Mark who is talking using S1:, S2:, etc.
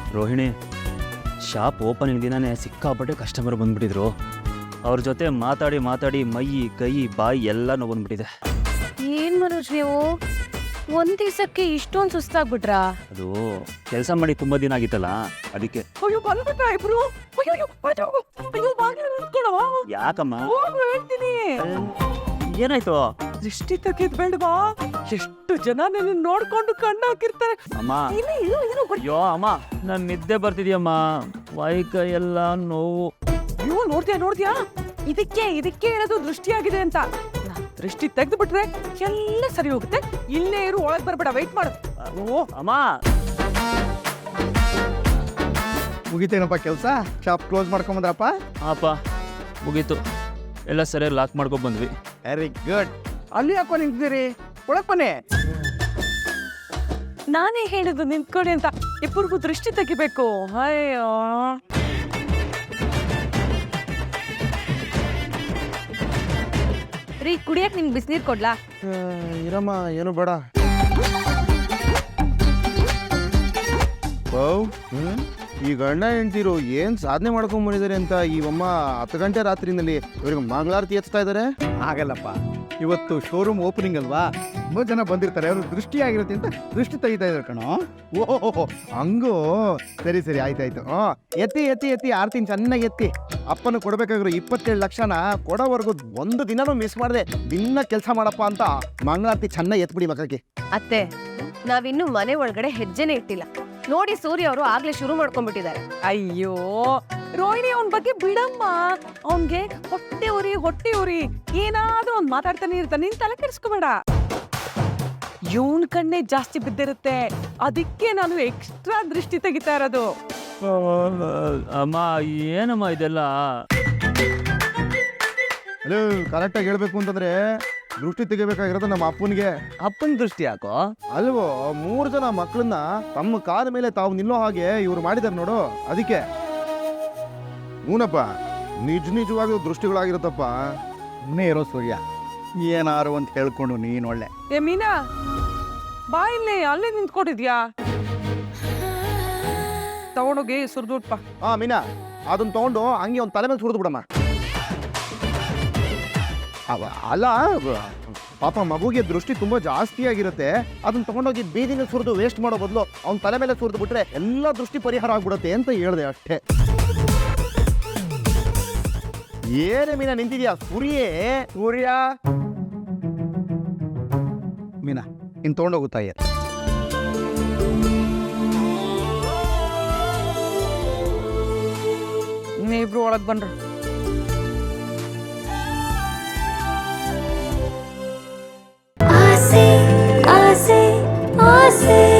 S1: Rohini, shop opening ದಿನನೇ ಸಿಕ್ಕಾಪಟ್ಟೆ customer ಬಂದ್ಬಿಟ್ಟಿದ್ರು. ಅವ್ರ ಜೊತೆ ಮಾತಾಡಿ ಮಾತಾಡಿ ಮೈ ಕೈ ಬಾಯಿ ಎಲ್ಲ ನೋವು ಬಂದ್ಬಿಟ್ಟಿದೆ.
S2: ಏನ್ ಮನೋಜ್ ನೀವು ಒಂದ್ ದಿವಸಕ್ಕೆ ಇಷ್ಟೊಂದು ಸುಸ್ತಾಗ್ಬಿಟ್ರಾ?
S1: ಅದು ಕೆಲಸ ಮಾಡಿ ತುಂಬಾ ದಿನ ಆಗಿತ್ತಲ್ಲ, ಅದಕ್ಕೆ.
S3: ಅಯ್ಯೋ ಬಂದ್ಬಿಟ್ಟ ಇಬ್ರು. ಅಯ್ಯೋ ಬಾಗಿಲು ನಿಂತ್ಕೊಳ್ಳೋ.
S1: ಯಾಕಮ್ಮ?
S3: ಹೇಳ್ತೀನಿ,
S1: ಏನಾಯ್ತು?
S3: ದೃಷ್ಟಿ ತೆಗೆದ್ ಬೇಡವಾ? ಎಷ್ಟು ಜನ ನನ್ನ ನೋಡ್ಕೊಂಡು ಕಣ್ಣು ಹಾಕಿರ್ತಾರೆ.
S1: ಅಮ್ಮ, ಅಯ್ಯೋ ಅಮ್ಮ, ನನ್ ನಿದ್ದೆ ಬರ್ತಿದ್ಯಮ್ಮ, ಕೈ ಎಲ್ಲ ನೋವು.
S3: ಅಯ್ಯೋ ನೋಡ್ದ್ಯಾ ಇದಕ್ಕೆ ಹೇಳೋದು ದೃಷ್ಟಿಯಾಗಿದೆ ಅಂತ. ದೃಷ್ಟಿ ತೆಗೆದು ಬಿಟ್ರೆ ಎಲ್ಲ ಸರಿ ಹೋಗುತ್ತೆ. ಇಲ್ಲೇ ಇರು, ಒಳಗ್ ಬರ್ಬೇಡ, ವೆಯ್ಟ್ ಮಾಡು.
S1: ಓ ಅಮ್ಮ,
S4: ಮುಗಿತೇನಪ್ಪ ಕೆಲಸ? ಶಾಪ್ ಕ್ಲೋಸ್ ಮಾಡ್ಕೊಂಬಂದ್ರಪ್ಪ?
S1: ಅಪ್ಪ ಮುಗೀತು, ಎಲ್ಲ ಸರಿಯಾಗಿ ಲಾಕ್ ಮಾಡ್ಕೊಂಡ್ ಬಂದ್ವಿ.
S4: Very good. ಅಲ್ಲಿ ಯಾಕೋ ನಿಂತಿದ್ದೀರಿ? ಒಳಗ್ ಬನ್ನಿ.
S3: ನಾನೇ ಹೇಳಿದ್ದು ನಿಂತ್ಕೊಳ್ಳಿ ಅಂತ. ಇಬ್ಬರಿಗೂ ದೃಷ್ಟಿ ತೆಗಿಬೇಕು. ಅಯ್ಯೋ
S2: ರೀ, ಕುಡಿಯಕ್ ನಿಮ್ಗೆ ಬಿಸಿನೀರ್ ಕೊಡ್ಲಾ?
S4: ಇರಮ್ಮ, ಏನು ಬೇಡ. ಈ ಗಂಡ ಹೆಂಡ್ತಿರು ಏನ್ ಸಾಧನೆ ಮಾಡ್ಕೊಂಡ್ ಬಂದಿದ್ದಾರೆ ಅಂತ ಈ ಅಮ್ಮ 10 ಗಂಟೆ ರಾತ್ರಿನಲ್ಲಿ ಇವ್ರಿಗೆ ಮಂಗಳಾರತಿ ಎತ್ತಾ ಇದಾರೆ. ಆಗಲ್ಲಪ್ಪ, ಇವತ್ತು ಶೋರೂಮ್ ಓಪನಿಂಗ್ ಅಲ್ವಾ, ತುಂಬಾ ಜನ ಬಂದಿರ್ತಾರೆ, ಅವರು ದೃಷ್ಟಿ ಆಗಿರುತ್ತೆ ಅಂತ ದೃಷ್ಟಿ ತೆಗಿತಾ ಇದಾರೆ ಕಣೋ. ಓಹೋ ಹಂಗೋ, ಸರಿ ಸರಿ, ಆಯ್ತಾಯ್ತು. ಎತ್ತಿ ಎತ್ತಿ ಎತ್ತಿ ಆರ್ತಿನ ಚೆನ್ನಾಗಿ ಎತ್ತಿ. ಅಪ್ಪನ ಕೊಡ್ಬೇಕಾಗಿರೋ 27 ಲಕ್ಷನ ಕೊಡೋವರೆಗೂ ಒಂದು ದಿನನೂ ಮಿಸ್ ಮಾಡದೆ ದಿನ ಕೆಲಸ ಮಾಡಪ್ಪ ಅಂತ ಮಂಗಳಾರತಿ ಚೆನ್ನಾಗಿ ಎತ್ಬಿಡಿ ಮಕ್ಕಳಿಗೆ.
S2: ಅತ್ತೆ, ನಾವಿನ್ನು ಮನೆ ಒಳಗಡೆ ಹೆಜ್ಜೆನೆ ಇಟ್ಟಿಲ್ಲ ನೋಡಿ. ಸೂರ್ಯ ಅವರು ಆಗ್ಲೇ ಶುರು ಮಾಡ್ಕೊಂಡ್ಬಿಟ್ಟಿದ್ದಾರೆ.
S3: ಅಯ್ಯೋ ರೋಹಿಣಿ, ಅವನ್ ಬಗ್ಗೆ ಬಿಡಮ್ಮ. ಅವನ್ಗೆ ಹೊಟ್ಟೆ ಉರಿ ಏನಾದ್ರೂ ಅವ್ನ್ ಮಾತಾಡ್ತಾನೆ ಇರ್ತಾನೆ, ನೀನ್ ತಲೆ ಕೆಡಿಸ್ಕೋಬೇಡ. ಇವನ್ ಕಣ್ಣೆ ಜಾಸ್ತಿ ಬಿದ್ದಿರುತ್ತೆ, ಅದಕ್ಕೆ ನಾನು ಎಕ್ಸ್ಟ್ರಾ ದೃಷ್ಟಿ ತೆಗಿತಾ ಇರೋದು.
S1: ಅಮ್ಮ, ಏನಮ್ಮ ಇದೆಲ್ಲ?
S4: ಹಲೋ, ಕರೆಕ್ಟಾಗಿ ಹೇಳ್ಬೇಕು ಅಂತಂದ್ರೆ ದೃಷ್ಟಿ ತೆಗಿಬೇಕಾಗಿರೋದು ನಮ್ಮ ಅಪ್ಪನಿಗೆ.
S1: ಅಪ್ಪನ ದೃಷ್ಟಿ ಯಾಕೋ?
S4: ಅಲ್ವೋ, 3 ಜನ ಮಕ್ಕಳನ್ನ ತಮ್ಮ ಕಾಲ ಮೇಲೆ ತಾವು ನಿಲ್ಲೋ ಹಾಗೆ ಇವ್ರು ಮಾಡಿದಾರೆ ನೋಡು, ಅದಕ್ಕೆ. ಹೂನಪ್ಪ, ನಿಜವಾಗ್ಲೂ ದೃಷ್ಟಿಗಳಾಗಿರುತ್ತಪ್ಪ. ಸುಮ್ಮನೆ ಇರೋ ಸೂರ್ಯ, ಏನಾರು ಅಂತ ಹೇಳ್ಕೊಂಡು ನೀನ್ ಒಳ್ಳೆ.
S3: ಏ ಮೀನಾ, ಬಾ ಇಲ್ಲಿ, ಅಲ್ಲೇ ನಿಂತ್ಕೊಂಡಿದ್ಯಾ? ತಗೊಂಡೋಗಿ ಸುರ್ದುಟ್ಪ.
S4: ಮೀನಾ, ಅದನ್ನ ತಗೊಂಡು ಹಂಗೆ ಒಂದು ತಲೆ ಮೇಲೆ ಸುರಿದು ಬಿಡಮ್ಮ. ಅಲ್ಲ ಪಾಪ, ಮಗುಗೆ ದೃಷ್ಟಿ ತುಂಬಾ ಜಾಸ್ತಿ ಆಗಿರುತ್ತೆ, ಅದನ್ನ ತಗೊಂಡೋಗಿ ಬೀದಿನ ಸುರಿದು ವೇಸ್ಟ್ ಮಾಡೋ ಬದಲು ಅವ್ನ ತಲೆ ಮೇಲೆ ಸುರಿದು ಬಿಟ್ರೆ ಎಲ್ಲ ದೃಷ್ಟಿ ಪರಿಹಾರ ಆಗ್ಬಿಡುತ್ತೆ ಅಂತ ಹೇಳ್ದೆ ಅಷ್ಟೇ. ಏನೇ ಮೀನಾ ನಿಂತಿದ್ಯಾ? ಸೂರ್ಯ ಮೀನಾ, ಇನ್ ತಗೊಂಡೋಗುತ್ತಾ?
S3: ಇಬ್ರು ಒಳಗ್ ಬನ್ರಿ.
S5: ಆಸೆ ಆಸೆ ಆಸೆ